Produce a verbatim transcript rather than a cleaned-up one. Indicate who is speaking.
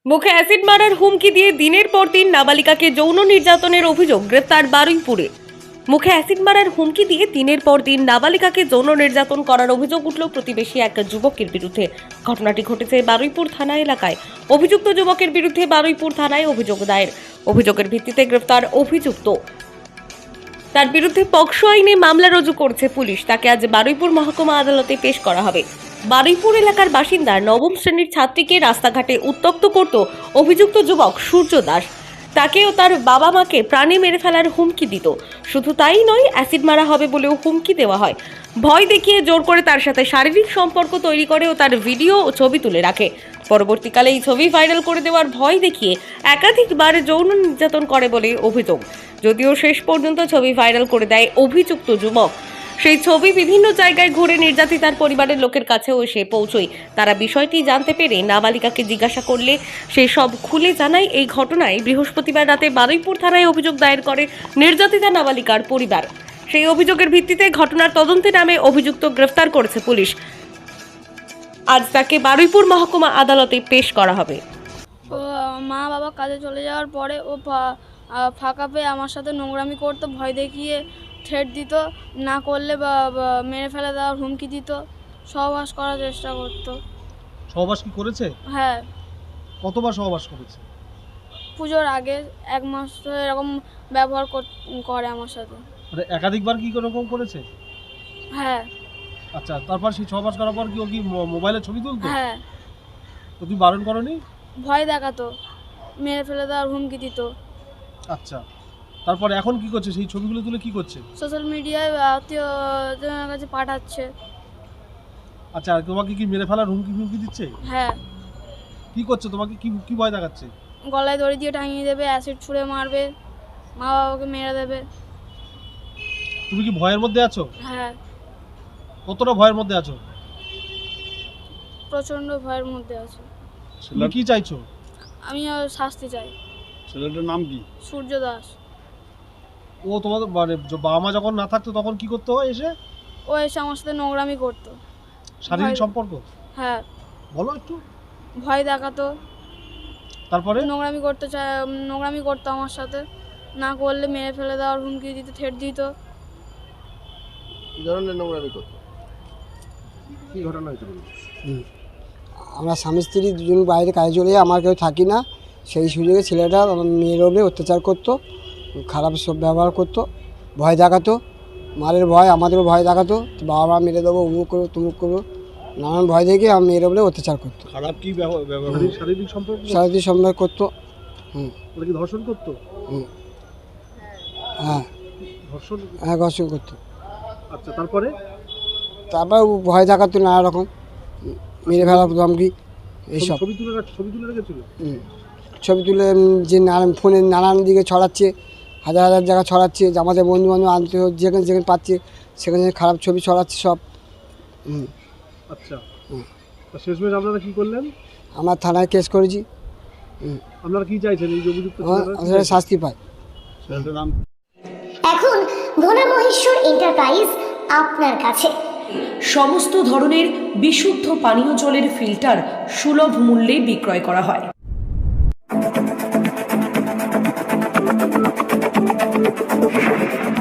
Speaker 1: মুখে অ্যাসিড মারার হুমকি দিয়ে দিনের পর দিন নাবালিকাকে যৌন নির্যাতনের অভিযোগ গ্রেফতার বারুইপুরে। মুখে অ্যাসিড মারার হুমকি দিয়ে দিনের পর দিন নাবালিকাকে যৌন নির্যাতন করার অভিযোগ উঠল প্রতিবেশী এক যুবকের বিরুদ্ধে। ঘটনাটি ঘটেছে বারুইপুর থানা এলাকায়। অভিযুক্ত যুবকের বিরুদ্ধে বারুইপুর থানায় অভিযোগ দায়ের। অভিযোগের ভিত্তিতে গ্রেফতার অভিযুক্ত। তার বিরুদ্ধে পক্সো আইনে মামলা রুজু করছে পুলিশ। তাকে আজ বারুইপুর মহকুমা আদালতে পেশ করা হবে। বারুইপুর এলাকার বাসিন্দা নবম শ্রেণীর ছাত্রীকে রাস্তাঘাটে উত্ত্যক্ত করত অভিযুক্ত যুবক সূর্য দাস। তাকে ও তার বাবা মাকে প্রাণে মেরে ফেলার হুমকি দিত। শুধু তাই নয়, অ্যাসিড মারা হবে বলেও হুমকি দেওয়া হয়। ভয় দেখিয়ে জোর করে তার সাথে শারীরিক সম্পর্ক তৈরি করে ও তার ভিডিও ও ছবি তুলে রাখে। পরবর্তীকালে এই ছবি ভাইরাল করে দেওয়ার ভয় দেখিয়ে একাধিকবার যৌন নির্যাতন করে বলে অভিযোগ। যদিও শেষ পর্যন্ত ছবি ভাইরাল করে দেয় অভিযুক্ত যুবক। সেই ছবি বিভিন্ন জায়গায় ঘুরে নির্যাতিতার পরিবারের লোকের কাছেও এসে পৌঁছয়। তারা বিষয়টি জানতে পেরে নাবালিকাকে জিজ্ঞাসা করলে সে সব খুলে জানায়। এই ঘটনায় বৃহস্পতিবার রাতে বারুইপুর থানায় অভিযোগ দায়ের করে নির্যাতিতা নাবালিকার পরিবার। সেই অভিযোগের ভিত্তিতে ঘটনার তদন্তে নামে অভিযুক্ত গ্রেফতার করেছে পুলিশ। আজ তাকে বারুইপুর মহকুমা আদালতে পেশ করা হবে।
Speaker 2: ও মা বাবা কাজে চলে যাওয়ার পরে ও ফাঁকা পেয়ে আমার সাথে নোংরামি করতো, ভয় দেখিয়ে ঠেট দিত, না করলে বা মেরে ফেলে দেওয়ার হুমকি দিত, সহবাস করার চেষ্টা করতো।
Speaker 3: সহবাস কি করেছে?
Speaker 2: হ্যাঁ,
Speaker 3: কতবার সহবাস করেছে?
Speaker 2: পুজোর আগে এক মাস ধরে এরকম ব্যবহার করে আমার সাথে।
Speaker 3: মানে একাধিকবার কি এরকম করেছে?
Speaker 2: হ্যাঁ।
Speaker 3: আচ্ছা, তারপর সেই সহবাস করার পর কি ও কি মোবাইলে ছবি তুলতো?
Speaker 2: হ্যাঁ।
Speaker 3: তো তুমি বারণ করনি?
Speaker 2: ভয় দেখাতো, মেরে ফেলে দেওয়ার হুমকি দিত।
Speaker 3: আচ্ছা, তারপর এখন কি করছে? সেই ছবিগুলো তুলে কি করছে?
Speaker 2: সোশ্যাল মিডিয়ায় আত্মীয়জনের কাছে পাঠাচ্ছে।
Speaker 3: আচ্ছা, তোমাকে কি মেরে ফেলার হুমকি হুমকি দিচ্ছে?
Speaker 2: হ্যাঁ।
Speaker 3: কি করছে? তোমাকে কি কি ভয় দেখাচ্ছে?
Speaker 2: গলায় দড়ি দিয়ে টাঙিয়ে দেবে, অ্যাসিড ছুঁড়ে মারবে, মা বাবাকে মেরে দেবে।
Speaker 3: তুমি কি ভয়ের মধ্যে আছো?
Speaker 2: হ্যাঁ।
Speaker 3: কতটা ভয়ের মধ্যে আছো?
Speaker 2: প্রচন্ড ভয়ের মধ্যে আছি।
Speaker 3: তুমি কি চাইছো?
Speaker 2: আমি শাস্তি চাই।
Speaker 3: ছেলেটার নাম কি?
Speaker 2: সূর্য দাস।
Speaker 3: ও তোমাদের মানে বাবা মা যখন না থাকতো তখন কি করতে হয় এসে?
Speaker 2: ও এসে আমার সাথে নোংরামি করতো।
Speaker 3: শারীরিক সম্পর্ক?
Speaker 2: হ্যাঁ।
Speaker 3: বলো একটু।
Speaker 2: ভয় দেখাতো,
Speaker 3: তারপরে
Speaker 2: নোংরামি করতে চায়, নোংরামি করতো আমার সাথে, না করলে মেরে ফেলে দেওয়ার হুমকি দিত, ঠেট দিত।
Speaker 4: কি ধরনের নোংরামি করতো? কি ঘটনা হয়েছিল?
Speaker 5: আমরা স্বামী স্ত্রী দুজন বাইরে কাজে চলে যাই, আমার কেউ থাকি না। সেই সুযোগে ছেলেটা আমার মেয়ের ওপরে অত্যাচার করতো, খারাপ সব ব্যবহার করতো, ভয় দেখাতো, মারের ভয়, আমাদেরও ভয় দেখাতো, বাবা মা মেরে দেবো, উমুক করবো তুমুক করবো, নানান ভয় দেখে আমার মেয়ের ওপরে অত্যাচার করতো।
Speaker 3: খারাপ কি ব্যবহার? শারীরিক সম্পর্ক?
Speaker 5: শারীরিক সম্পর্ক করতো। হুম।
Speaker 3: ওরা কি ধর্ষণ করতো?
Speaker 5: হুম। হ্যাঁ।
Speaker 3: ধর্ষণ?
Speaker 5: হ্যাঁ, ধর্ষণ করতো।
Speaker 3: আচ্ছা, তারপরে?
Speaker 5: তারপর ভয় দেখাতো নানা রকম, মেরে ফেলা ধমকি এইসব।
Speaker 3: ছবি তুলে ছবি তুলে রেখেছিল?
Speaker 5: হুম। ছবি তুলে যে নানান ফোনে নানান দিকে ছড়াচ্ছে, হাজার হাজার জায়গা ছড়াচ্ছে, যে আমাদের বন্ধু বান্ধব আনতে যেখানে যেখানে পাচ্ছে সেখানে খারাপ ছবি ছড়াচ্ছে সব। হুম।
Speaker 3: আচ্ছা, শেষমেশ আপনারা কি করলেন?
Speaker 5: আমরা থানায় কেস করেছি। হুম।
Speaker 3: আপনারা কি চাইছেন এই অভিযুক্ত
Speaker 5: শাস্তি পায়?
Speaker 6: এখন ভোলা মহেশ্বর এন্টারপ্রাইজ আপনার কাছে
Speaker 7: সমস্ত ধরনের বিশুদ্ধ পানীয় জলের ফিল্টার সুলভ মূল্যে বিক্রয় করা হয়।